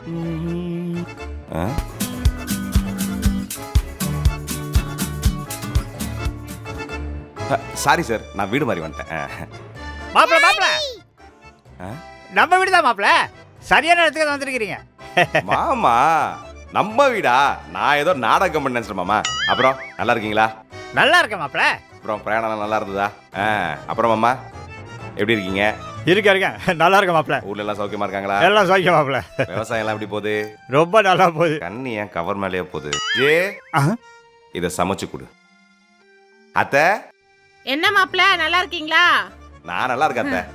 Sorry sir, நான் வீடு மாதிரி வந்துட்டேன். மாப்பிள மாப்பிள, நம்ம வீடு தான் மாப்பிள. சரியான இடத்துக்கு வந்துருக்கீங்க. மாமா நம்ம வீடா? நான் ஏதோ நாடகம் பண்ண நினைச்சேன் மாமா. அப்புறம் நல்லா இருக்கீங்களா? நல்லா இருக்கேன் மாப்பிள. அப்புறம் பிரயாணம் நல்லா இருந்ததா? அப்புறம் மாமா எப்படி இருக்கீங்க? இருக்கேன் நல்லா இருக்கேன் மாப்பிள. ஊர்ல எல்லாம் சௌக்கியமா இருக்காங்களா? எல்லாம் சௌக்கியம் மாப்பிள. விவசாயம் எல்லாம் எப்படி போகுது? ரொம்ப நல்லா போகுது. கண்ணி ஏன் கவர் மேலேயே போகுது? இதை சமைச்சு கொடு. அத்தை என்ன மாப்பிள, நல்லா இருக்கீங்களா? நான் நல்லா இருக்கேன் அத்தை.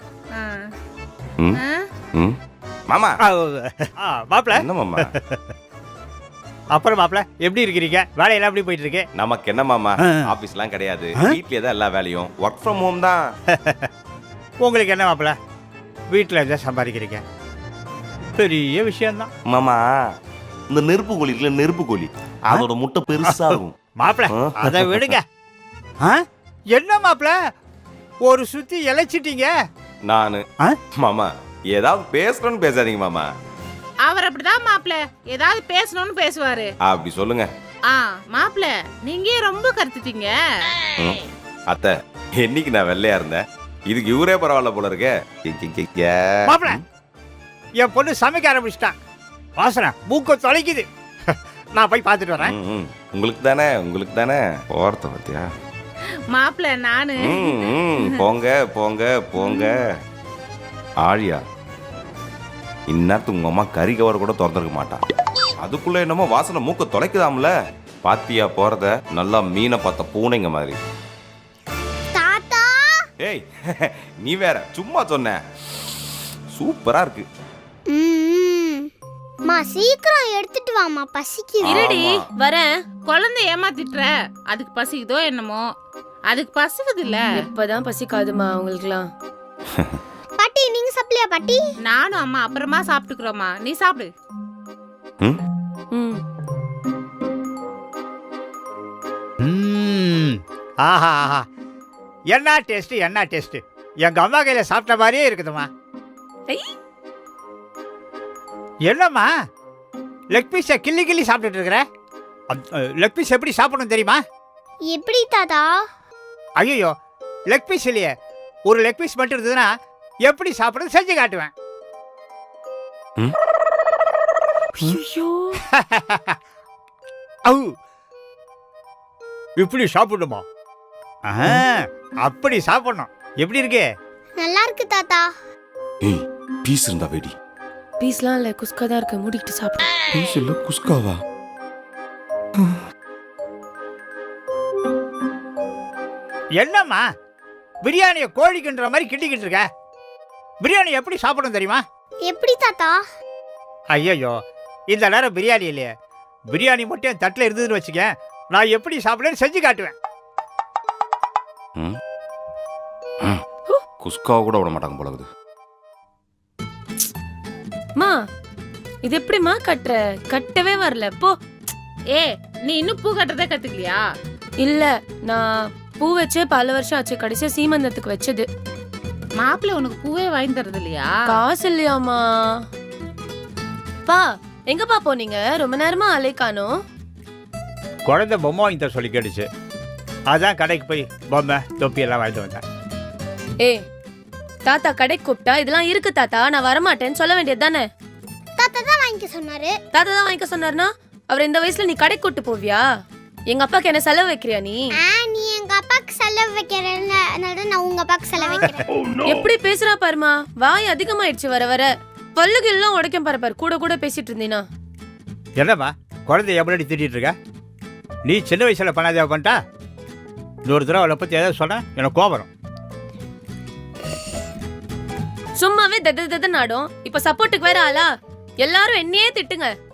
மாமா மாப்பிள என்ன மாமா? அப்புறம் மாப்பிள எப்படி இருக்கிறீங்க? வேலையெல்லாம் எப்படி போயிட்டு இருக்கு? நமக்கு என்ன மாமா, ஆபீஸ்லாம் கிடையாது, வீட்லயே தான் எல்லா வேலையும், ஒர்க் ஃப்ரம் ஹோம் தான். உங்களுக்கு என்ன மாப்பிள, வீட்டில் எதாவது சம்பாதிக்கிறீங்க, பெரிய விஷயம்தான். மாமா இந்த நெருப்பு கோழி இருக்குல்ல, நெருப்பு கோழி, அதோட முட்டை பெருசாகும். மாப்பிள அதை விடுங்க. என்ன மாப்பிள ஒரு சுத்தி இழைச்சிட்டீங்க? நானு மாமா ஏதாவது பேசணும்னு பேசாதீங்க மாமா. அவர் அப்படிதான் மாப்பிள, ஏதாவது பேசணும்னு பேசுவாரு. அப்படி சொல்லுங்க. மாப்பிள நீங்க ரொம்ப கருத்துட்டீங்க. அத்தை என்னைக்கு நான் வெள்ளையா இருந்தேன், இதுக்கு இவரே பரவாயில்ல போல இருக்கே. மாப்பிள என் பொண்ணு சமைக்க ஆரம்பிச்சிட்டான், வாசனை மூக்க தொலைக்குது. நான் போய் பார்த்துட்டு வரேன். உங்களுக்கு தானே, உங்களுக்கு தானே போறத பத்தியா மாப்பிள. நானு போங்க போங்க போங்க. ஆழியா இந்நேரத்துக்கு உங்க அம்மா கறி கவர் கூட திறந்துருக்க மாட்டான், அதுக்குள்ள என்னமோ வாசனை மூக்க தொலைக்குதாம்ல. பாத்தியா போறத, நல்லா மீனை பார்த்த பூனைங்க மாதிரி. தாத்தா ஏய் நீ வேற சும்மா சொன்ன, சூப்பரா இருக்கு. மா சீக்கிரம் எடுத்துட்டு வாமா, பசிக்குது. இருடி வரேன். குழந்தை ஏமாத்திட்டுற, அதுக்கு பசிக்குதோ என்னமோ. அதுக்கு பசிக்குது இல்ல. இப்பதான் பசிக்காதுமா அவங்களுக்குலாம். பாட்டி நீங்க சாப்பிடலையா பாட்டி? நானும் அம்மா அப்புறமா சாப்பிட்டுக்கிறோமா, நீ சாப்பிடு. ஆஹா ஆஹா, என்ன டேஸ்ட், என்ன டேஸ்ட். எங்க அம்மா கையில சாப்பிட்ட மாதிரியே இருக்குதுமா. என்னம்மா லெக் பீஸை கிள்ளி கிள்ளி சாப்பிட்டுட்டு இருக்கிற? லெக் பீஸ் எப்படி சாப்பிடணும் தெரியுமா? எப்படி தாத்தா? ஐயோ லெக் பீஸ் இல்லையே, ஒரு லெக் பீஸ் மட்டும் இருந்ததுன்னா எப்படி சாப்பிடுறது செஞ்சு காட்டுவேன். இப்படி சாப்பிடணுமா? அப்படி சாப்பிடணும். எப்படி இருக்கு? நல்லா இருக்கு தாத்தா. ஏய் பீஸ் இருந்தா வெடி. பீஸ்லாம் இல்ல, குஸ்கா தான் இருக்கு, மூடிட்டு சாப்பிடு. பீஸ் இல்ல குஸ்காவா? என்னம்மா பிரியாணியை கோழிக்குன்ற மாதிரி கிண்டிக்கிட்டு இருக்க? பிரியாணி எப்படி சாப்பிடணும் தெரியுமா? எப்படி தாத்தா? ஐயோ இந்த நேரம் பிரியாணி இல்லையே, பிரியாணி மட்டும் என் தட்டில் இருந்ததுன்னு வச்சுக்க, நான் எப்படி சாப்பிடுறேன்னு செஞ்சு காட்டுவேன். குஸ்காவை கூட விட மாட்டாங்க போலகுது. மா இது எப்படிமா கட்டுற? கட்டவே வரல போ. நீ இன்னும் பூ கட்டுறதே கத்துக்கலையா? இல்ல, நான் பூ வச்சே பல வருஷம் ஆச்சு, கடைசியா சீமந்தத்துக்கு வச்சது. மாப்பிள்ள உனக்கு பூவே வாங்கி தரது இல்லையா? காசு இல்லையாமா? பா எங்கப்பா போனீங்க? ரொம்ப நேரமா அலைக்கானோம். குழந்தை பொம்மை வாங்கி தர சொல்லி கேட்டுச்சு, அதான் கடைக்கு போய் பொம்மை தொப்பி எல்லாம் வாங்கிட்டு வந்தேன். தாத்தா கடைக்கு கூப்பிட்டா இதெல்லாம் இருக்கு தாத்தா நான் வரமாட்டேன்னு சொல்ல வேண்டியது தானே? தாத்தா தான் வாங்கிக்க சொன்னாரு. தாத்தா தான் வாங்கிக்க சொன்னார்னா அவர் இந்த வயசுல நீ கடைக்கு கூட்டு போவியா? எங்க அப்பாக்கு என்ன செலவு வைக்கிறியா நீ? நீ எங்க அப்பாக்கு செலவு வைக்கிறேன்னு நான் உங்க அப்பாக்கு செலவு வைக்கிறேன். எப்படி பேசுறா பாருமா, வாய் அதிகமாயிடுச்சு வர வர. பல்லுக்கு எல்லாம் உடைக்கும் பாரு, கூட கூட பேசிட்டு இருந்தீனா. என்னம்மா குழந்தை எப்படி திட்டிட்டு இருக்க? நீ சின்ன வயசுல பண்ணாதே பண்ணிட்டா, இன்னொரு தடவை அவளை பத்தி ஏதாவது சொன்ன எனக்கு கோபம் வரும். சும்மாவே தத நாடும், இப்ப சப்போர்ட்டுக்கு வேற ஆளா? எல்லாரும் என்னையே திட்டுங்க.